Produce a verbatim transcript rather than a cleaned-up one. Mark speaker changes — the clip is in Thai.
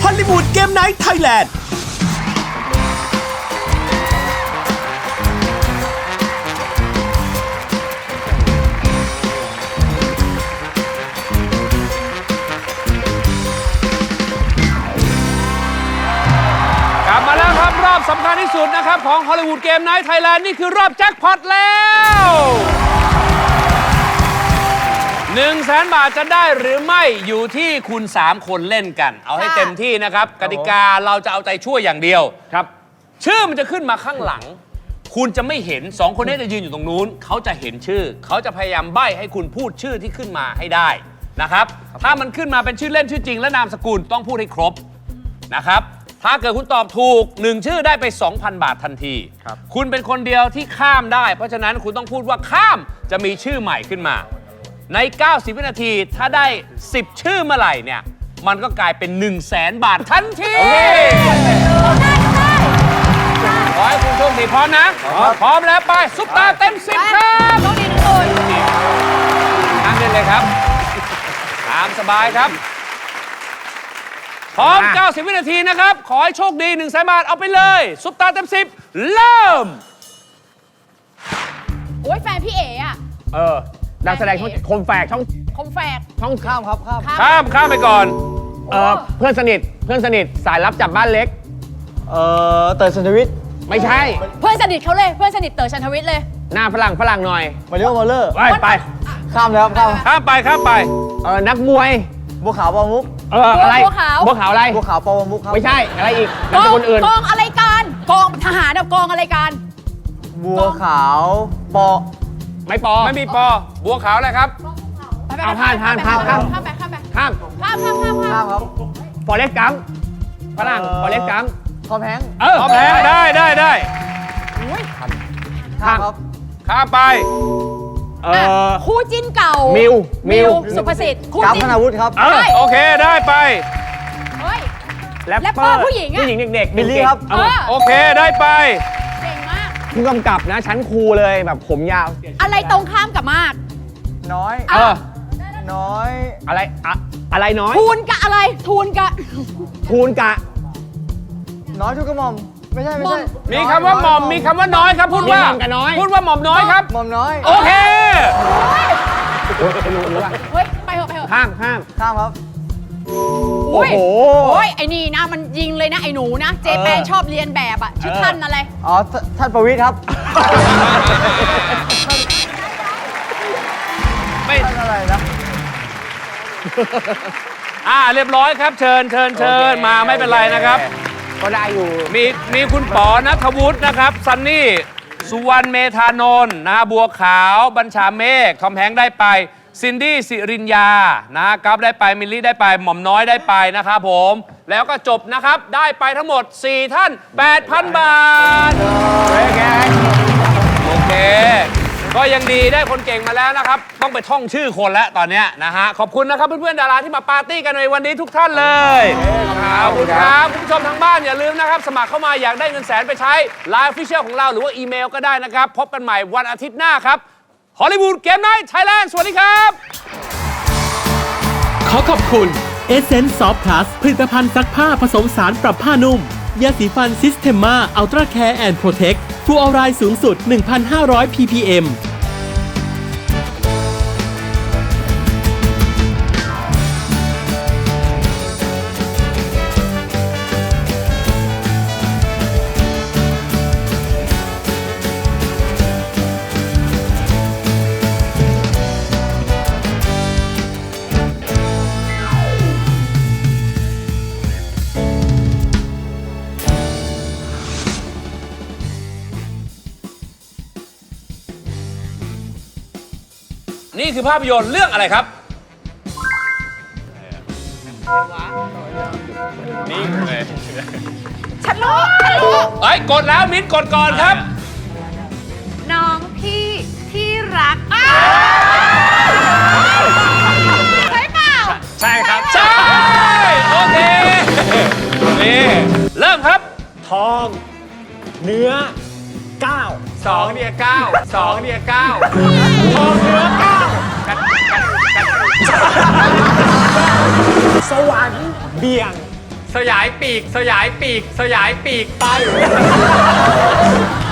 Speaker 1: ฮอลลีวูดเกมไนท์ไทยแลนด์
Speaker 2: กลับมาแล้วครับรอบสำคัญที่สุดนะครับของฮอลลีวูดเกมไนท์ไทยแลนด์นี่คือรอบแจ็คพอตแล้วหนึ่งแสนบาทจะได้หรือไม่อยู่ที่คุณสามคนเล่นกันเอาให้เต็มที่นะครับกติกาเราจะเอาใจช่วยอย่างเดียวครับชื่อมันจะขึ้นมาข้างหลังคุณจะไม่เห็นสองคนนี้จะยืนอยู่ตรงนู้นเขาจะเห็นชื่อเขาจะพยายามใบ้ให้คุณพูดชื่อที่ขึ้นมาให้ได้นะครับถ้ามันขึ้นมาเป็นชื่อเล่นชื่อจริงและนามสกุลต้องพูดให้ครบนะครับถ้าเกิดคุณตอบถูกหนึ่งชื่อได้ไป สองพัน บาททันทีครับคุณเป็นคนเดียวที่ข้ามได้เพราะฉะนั้นคุณต้องพูดว่าข้ามจะมีชื่อใหม่ขึ้นมาในเก้าสิบวินาทีถ้าได้สิบชื่อเมื่อไหร่เนี่ยมันก็กลายเป็น หนึ่งแสน บาททันทีขอให้คุณโชคดีพร้อมนะพร้อมแล้วไปซุปตาเต็มสิบครับโชคดีทุกคนนั่งเล่นเลยครับตามสบายครับพร้อมเก้าสิบวินาทีนะครับขอให้โชคดี หนึ่งแสน บาทเอาไปเลยซุปตาเต็มสิบเริ่ม
Speaker 3: โอ้ยแฟนพี่เอ๋อะ
Speaker 4: เออนักแสดงช่องคมแฝกช่อง
Speaker 3: คมแฝก
Speaker 4: ช่องข้ามครับข้าม
Speaker 2: ข้ามข้ามไปก่อน
Speaker 4: เออเพื่อนสนิทเพื่อนสนิทสายลับจับบ้านเล็ก
Speaker 5: เออเต๋อชันทวิทย์
Speaker 4: ไม่ใช่
Speaker 3: เพื่อนสนิทเขาเลยเพื่อนสนิทเต๋อชันทวิทย์เลย
Speaker 4: หน้าฝรั่งฝรั่งหน่อย
Speaker 5: มาริโอ มอลเลอร์
Speaker 4: ไปไป
Speaker 5: ข้ามแล้วข้าม
Speaker 2: ข้ามไปข้ามไป
Speaker 4: เออนักมวย
Speaker 5: บัวขาวปอมุก
Speaker 4: เอออะไร
Speaker 3: บัวขาว
Speaker 4: บัวขาวอะไร
Speaker 5: บัวขาวปอมุกครับ
Speaker 4: ไม่ใช่อะไรอีก
Speaker 3: ก
Speaker 4: นามส
Speaker 3: อง
Speaker 4: กุลอื่น
Speaker 3: กองอะไรกันกองทหารกับกองอะไรกัน
Speaker 5: บัวขาวปอ
Speaker 4: ไม่ปอ
Speaker 2: ไม่มีปอบัวขาวอะไรครับ
Speaker 4: เอาผ่านผ่านผ่านข้าม
Speaker 3: ข้ามไปข้ามไป
Speaker 4: ข้าม
Speaker 3: ข้ามข้ามข้าม
Speaker 5: ข้ามครับ
Speaker 4: ฟอเรสต์กัมฝรั่งฟอเรสต์กัม
Speaker 5: ทอมแฮงค์
Speaker 4: เออ
Speaker 2: ทอมแฮงค์ได้ได้ได้
Speaker 5: ข้ามครับ
Speaker 2: ข้ามไป
Speaker 4: เออ
Speaker 3: คู่จิ้นเก่า
Speaker 4: มิวมิว
Speaker 3: สุภสิทธิ์คู่
Speaker 5: กราฟ
Speaker 3: จิ้
Speaker 5: ธ
Speaker 3: น
Speaker 5: นาวุฒิครับ
Speaker 2: โอเคได้ไป
Speaker 3: เฮ้ย
Speaker 4: แรปเป
Speaker 3: อร์ผู้หญิงอะ
Speaker 4: ผู้หญิงเด็กๆ
Speaker 5: บิลลี่ครับ
Speaker 2: โอเคได้ไป
Speaker 3: เก่งมาก
Speaker 4: ผู้กำกับนะชั้นครูเลยแบบผมยาว
Speaker 3: อะไรตรงข้ามกับมาก
Speaker 5: น้อย
Speaker 4: เออ
Speaker 5: น้อย
Speaker 4: อะไรอะอะไรน้อย
Speaker 3: ทูนกะอะไรทูนกะ
Speaker 4: ทูนกะ
Speaker 5: น้อยทุกกระหม่อมไม่ใช่ไม่ใช่
Speaker 2: มีคำว่าหม่อมมีคำว่าน้อยครับพูดว่าพูดว่าหม่อมน้อยครับ
Speaker 5: หม่อมน้อย
Speaker 2: โอเค
Speaker 4: รู้รู้ว่า
Speaker 3: เฮ้ยไปเถอะไปเถอะ
Speaker 4: ข้ามข้าม
Speaker 5: ข้ามครับ
Speaker 4: โอ้โห
Speaker 3: โอ้ยไอ้นี่นะมันยิงเลยนะไอ้หนูนะเจแปนชอบเรียนแบบอะชื่อท่านอะไร
Speaker 5: อ๋อท่านประวิตรครับ
Speaker 2: ไม่
Speaker 5: อะไรนะ
Speaker 2: อ่าเรียบร้อยครับเชิญเชิญเชิญมาไม่เป็นไรนะครับ
Speaker 4: ก็ได้อยู่
Speaker 2: มีมีคุณป๋อณัฐวุฒินะครับซันนี่สุวรรณเมธานนท์นะบัวขาวบัญชาเมฆทอมแฮงค์ได้ไปซินดี้สิรินยานะกัฟได้ไปมิลลี่ได้ไปหม่อมน้อยได้ไปนะครับผมแล้วก็จบนะครับได้ไปทั้งหมดสี่ท่าน แปดพัน บาทโอเคก็ยังดีได้คนเก่งมาแล้วนะครับต้องไปท่องชื่อคนแล้วตอนนี้นะฮะขอบคุณนะครับเพื่อนๆดาราที่มาปาร์ตี้กันในวันนี้ทุกท่านเลยขอบคุณครับคุณผู้ชมทางบ้านอย่าลืมนะครับสมัครเข้ามาอยากได้เงินแสนไปใช้ไลน์ออฟฟิเชียลของเราหรือว่าอีเมลก็ได้นะครับพบกันใหม่วันอาทิตย์หน้าครับฮอลลีวูดเกมไนท์ไทยแลนด์สวัสดีครับ
Speaker 1: ขอขอบคุณ Essence Soft Plus ผลิตภัณฑ์ซักผ้าผสมสารปรับผ้านุ่มยาสีฟัน Systema Ultra Care and Protect ฟลูออไรด์สูงสุด หนึ่งพันห้าร้อย พี พี เอ็ม
Speaker 2: นี่คือภาพยนตร์เรื่องอะไรครับนี่เลย
Speaker 3: ฉันรู้ฉันรู้
Speaker 2: เฮ้ยกดแล้วมิ้นกดก่อนครับ
Speaker 3: น้องพี่ที่รักใช่เปล่า
Speaker 2: ใช่ครับใช่โอเคนี่เริ่มครับ
Speaker 4: ทองเนื้อเก้า
Speaker 2: สองเนี่ยเก้าสองเนี่ยเก้า
Speaker 4: ทองเนื้อเก้าสวรรค์เบี่ยง
Speaker 2: สยายปีก สยายปีก สยายปีกไป